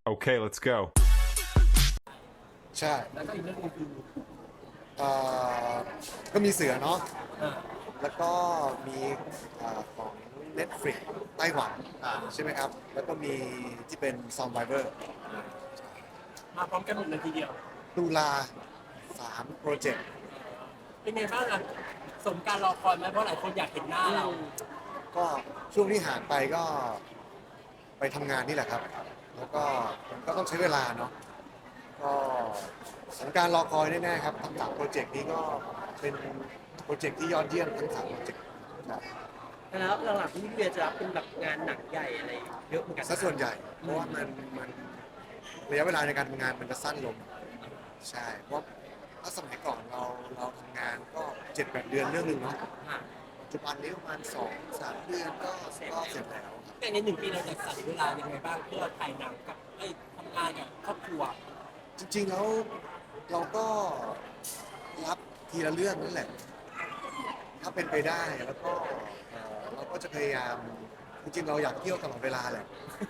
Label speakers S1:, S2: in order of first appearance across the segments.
S1: Okay, let's go.
S2: ใช่
S3: แล้วก็อีกเรื่องหนึงคือ
S2: เอ่อก็มีเสือเนาะ
S3: อ่า
S2: แล้วก็มีของ Netflix ไต้หวันใช่ไหมครับ แล้วก็มีที่เป็น Survivor
S3: มาพร้อมกันหมดเลยทีเดียว
S2: ตุลา3 โปรเจกต์
S3: เป็นไงบ้างอะสมการรอคอยไหมเพราะหลายคนอยากเห็นหน้าเรา
S2: ก็ช่วงที่ห่างไปก็ไปทำงานนี่แหละครับ แล้วก็มันก็ต้องใช้เวลาเนาะ ก็สงกรารรอคอยแน่ๆครับทั้ง3 โปรเจกต์นี้ก็เป็นโปรเจกต์ที่ยอดเยี่ยมทั้ง3 โปรเจกต์ครับ
S4: แล้วหลังๆพี่เบียร์จะรับเป็นแบบงานหนังใหญ่อะไรเยอะเหมือนกัน
S2: ซะส่วนใหญ่ เพราะว่ามันระยะเวลาในการทำงานมันจะสั้นลง ใช่ เพราะถ้าสมัยก่อนเราทำงานก็7-8 เดือนเรื่องหนึ่งเนาะ
S4: ค่ะ
S2: ปัจจุบันนี้ประมาณ2-3 เดือนก็เสร็จแล้วครับ
S3: แต่ใน1 ปีเราจะสั่เวลายังไงบ้างเพื่อถ่ายหนังกับทำงานกับครอบครัว
S2: จริงๆแล้วเราก็รับทีละเรื่องนั่นแหละ ถ้าเป็นไปได้แล้วก็เราก็จะพยายามจริงๆเราอยากเที่ยวตลอดเวลาแหละ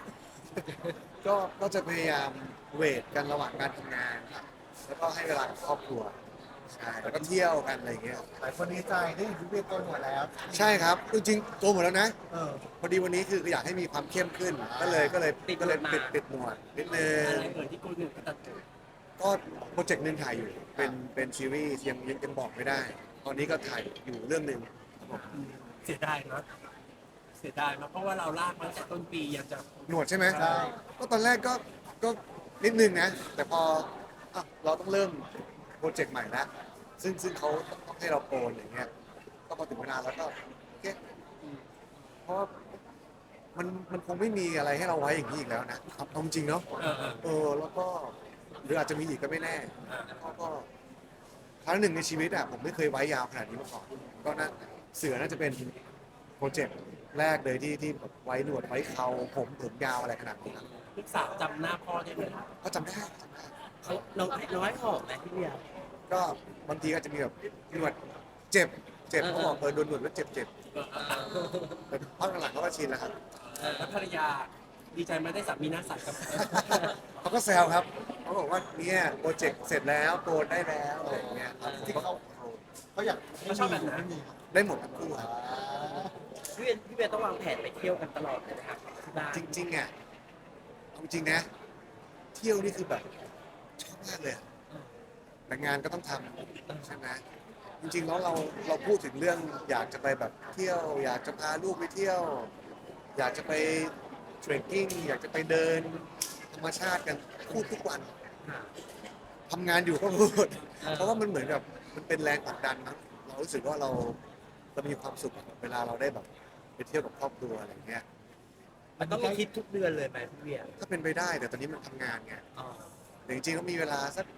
S2: ก็จะพยายามเวทกันระหว่างการทำงานครับแล้วก็ให้เวลากับครอบครัวใช่แล้วก็เที่ยวกันอะไรอย่างเงี้ย
S5: หลายคนดีใจได้เห็นพี่เวียโกนหัวแล้ว
S2: ใช่ครับจริงๆโกนหมดแล้วนะ
S5: เออ
S2: พอดีวันนี้คืออยากให้มีความเข้มขึ้น ก็เลยปิดหนวดนิดนึง
S3: อะไรเกิดที่กูหนึ่งก็ตัด
S2: ก็โปรเจกต์หนึงถ่ายอยู่เป็นซีรีส์ยังบอกไม่ได้ ตอนนี้ก็ถ่ายอยู่เรื่องหนึ่งครับผม
S3: เสียดายนะเสียดายมากเพราะว่าเราลากมาตั้งแต่ต้นปีอยากจะ
S2: หนวดใช่ไหม
S5: ใช่
S2: ก็ตอนแรกก็นิดนึงนะ แต่พออ่ะเราต้องเริ่มโปรเจกต์ใหม่แล้วซึ่งเขาต้องให้เราโกนอย่างเงี้ยก็พอถึงเวลาแล้วก็โอเคเพราะว่ามันคงไม่มีอะไรให้เราไว้อย่างนี้อีกแล้วนะเอาจริงเนาะ แล้วก็หรืออาจจะมีอีกก็ไม่แน่ก็ครั้งหนึ่งในชีวิตอ่ะผมไม่เคยไว้ยาวขนาดนี้มาก่อนก็น่าเสือน่าจะเป็นโปรเจกต์แรกเลยที่แบบไว้หนวดไว้เขาผมยาวอะไรขนาดนี้ครับ
S3: ลูกสาวจำหน้าพ่อได้ไหม
S2: ก็จำได้
S4: เขาน้อยหอมไหมพี่เบียร์
S2: ก็บางทีก็จะมีแบบหนวดเจ็บเขาบอกโดนหนวดแล้วเจ็บแต่พักหลังๆเขาก็ชินแล้วครับ
S3: แล้วภรรยาดีใจไหมาได้สามีหน้าใสกับ
S2: เขาก็แซวครับเขาบอกว่าเนี่ยโปรเจกต์เสร็จแล้วโกนได้แล้วอะไรอย่างเงี้ยครับ
S5: ที่เขาอยากให้
S3: เขาชอบแบบไหน
S5: ไม่มี
S2: ได้หมดทั้งคู่ครับ
S4: พี่เบียร์ต้องวางแผนไปเที่ยวกันตลอดเลยนะครับที่บ้าน
S2: จริงๆอ่ะเอาจริงนะ เที่ยวนี่คือแบบชอบมากเลยอะแต่งานก็ต้องทำใช่ไหมจริงๆแล้วเราพูดถึงเรื่องอยากจะไปแบบเที่ยว อยากจะพาลูกไปเที่ยว อยากจะไปเทรคกิ้งอยากจะไปเดินธรรมชาติกันพูดทุกวัน
S4: ค่ะ
S2: ทำงานอยู่ก็พูด เพราะว่ามันเหมือนกับมันเป็นแรงผลักดันนะเรารู้สึกว่าเรามีความสุขเวลาเราได้แบบไปเที่ยวกับครอบครัวอะไรอย่างเงี้ย
S4: มันต้องมีทริปทุกเดือนเลยไหมพี่เบียร์
S2: ถ้าเป็นไปได้แต่ตอนนี้มันทำงานไง
S4: อ๋อ
S2: แต่จริงๆก็มีเวลาสัก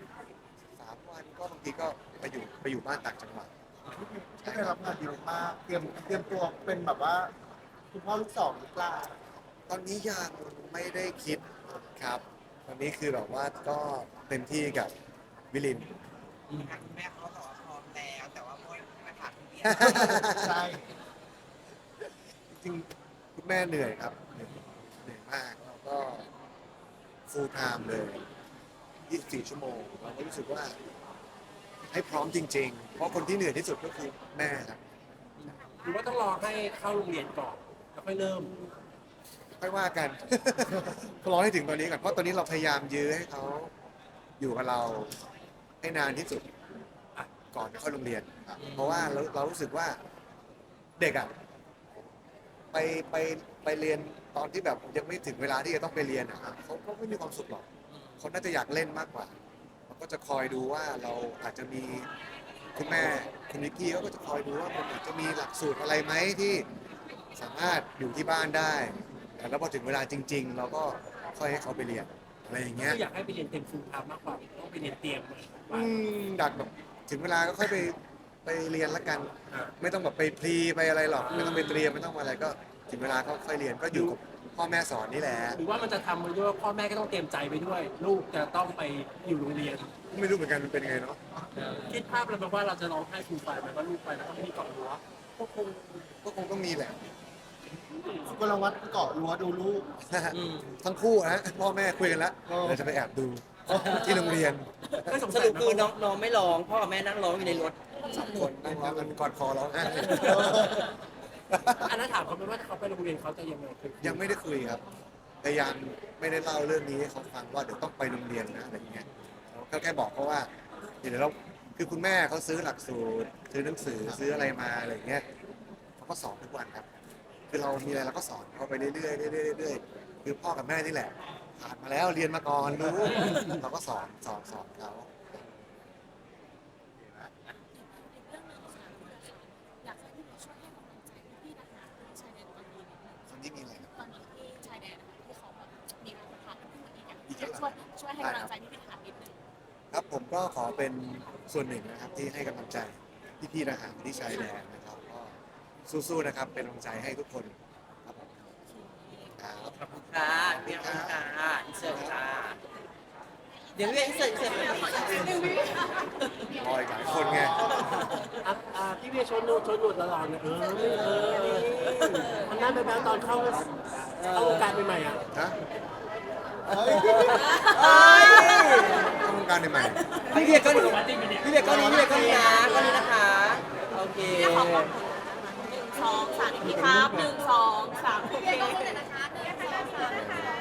S2: 3 วันก็บางทีก็ไปอยู่บ้านต่างจังหวัด
S5: ที่ได้รับงานดีมากเตรียมตัวเป็นแบบว่าคุณพ่อลูกสองหรือเปล่า
S2: ตอนนี้ยังไม่ได้คิดครับ ตอนนี้คือแบบว่าก็เต็มที่กับวิลิน
S6: ทางคุณแม่เขาบอกว่าพร้อมแล้วแต่ว่าไม่ผ่านทุเรียน
S5: ใช่
S2: จริงๆคุณแม่เหนื่อยครับเหนื่อยมากแล้วก็ full time เลย 24 ชั่วโมงเราก็รู้สึกว่าให้พร้อมจริงๆ เพราะคนที่เหนื่อยที่สุดก็คือแม่ครับ
S3: หรือว่าต้องรอให้เข้าโรงเรียนก่อนแล้วค่อยเริ่ม
S2: ค่อยว่ากัน รอให้ถึงตอนนี้ก่อนเพราะตอนนี้เราพยายามยื้อให้เขาอยู่กับเราให้นานที่สุดก่อนจะเข้าโรงเรียน เพราะว่าเรารู้สึกว่าเด็กอ่ะไปไปเรียนตอนที่แบบยังไม่ถึงเวลาที่จะต้องไปเรียนอ่ะเขาก็ไม่มีความสุขหรอกเขาน่าจะอยากเล่นมากกว่าเราก็จะคอยดูว่าเราอาจจะมีคุณแม่คุณนิกกี้เขาก็จะคอยดูว่ามันอาจจะมีหลักสูตรอะไรไหมที่สามารถอยู่ที่บ้านได้แล้วพอถึงเวลาจริง ๆ เราก็ค่อยให้เขาไปเรียนอะไรอย่างเงี้ย
S3: ก็อยากให้ไปเรียนเต็มฟูลไทม์มากกว่าต้องไปเรียนเตรียมมา
S2: ดักแบบถึงเวลาก็ค่อยไปเรียนละกัน ไม่ต้องแบบไปพรีไปอะไรหรอกไม่ต้องไปเตรียมไม่ต้องอะไรก็ถึงเวลาก็ค่อยเรียนก็อยู่กับพ่อแม่สอนนี่แหละ
S3: หรือว่ามันจะทำไปด้วยว่าพ่อแม่ก็ต้องเตรียมใจไปด้วย ลูกจะต้องไปอยู่โรงเรียน
S2: ไม่รู้เหมือนกันมันเป็นยังไงเนาะ
S3: คิดภาพแล้วไหมว่าเราจะร้องไห้ฟูลไฟล์ไหมว่าลูกไปแล้วก็ไม่มีเกาะรั้ว
S2: ก็คงต้องมีแหละ
S5: สุกลวัฒน์เกาะรั้วดูลูก
S2: ทั้งคู่นะพ่อแม่คุยกันแล้ว
S5: โอ้
S2: เดี๋ยวจะไปแอบดูที่โรงเรียน
S3: ไม่สง
S4: ส
S3: สัย
S4: รุป
S3: นะ
S4: คือน้องไม่ร้องพ่อกับแม่นั่งร้องอยู่ในรถ
S2: สามคนนั่งร้องกันกอดคอร้องไห้
S3: อันนั้นถามเขาไหมว่าเขาไปโรงเรียนเขาจะยังไงคือ
S2: ยังไม่ได้คุยครับพยายามไม่ได้เล่าเรื่องนี้ให้เขาฟังว่าเดี๋ยวต้องไปโรงเรียนนะอะไรอย่างเงี้ยก็แค่บอกเขาว่าเดี๋ยวเราคือคุณแม่เขาซื้อหลักสูตรซื้อหนังสือซื้ออะไรมาอะไรอย่างเงี้ยเขาก็สอนทุกวันครับ คือเรามีอะไรเราก็สอนเขาไปเรื่อยๆเรื่อยๆเรื่อยๆคือพ่อกับแม่นี่แหละผ่านมาแล้วเรียนมาก่อนรู้เราก็สอนเขา
S1: เรื่องหนึงค่ะอยากให้พี่ช่วยให้กำลังใจพี่ๆทหารที่ชายแดนตอนนี้นิดนึง
S2: คนที่มีอะไรนะ
S1: ตอนนี้ที่ชายแดนที่เขาแบบมีการผ่านขึ้นมาอีกอย่าง
S2: อีกแล้ว
S1: ช่วยให้กำลังใจพี่ๆทหารนิดนึง
S2: ครับผมก็ขอเป็นส่วนหนึ่งนะครับที่ให้กำลังใจพี่ๆทหารที่ชายแดนนะครับก็สู้ๆนะครับเป็นกำลังใจให้ทุกคนครับผมครับ
S4: ขอบคุณค่ะพี่ขอบคุณค่ะอินเสิร์ตค่ะเดี๋ยวพี่อินเสิร์ตเลย
S2: รออีกหลายคนไง
S3: พี่เวียชนหนวดละลานเนี่ยมันน่าไปแปลตอนเข้าวงการใหม่ๆอ่ะ
S2: นะ
S5: เฮ้ย
S2: เข้าวงการใหม่
S4: พี่เบียร์ก็นี้พี่เบียร์ก็นี้นะก็นี้นะคะ โอเค
S1: ขอบคุณ1 2 3พี่ครับ1 2 3โอเค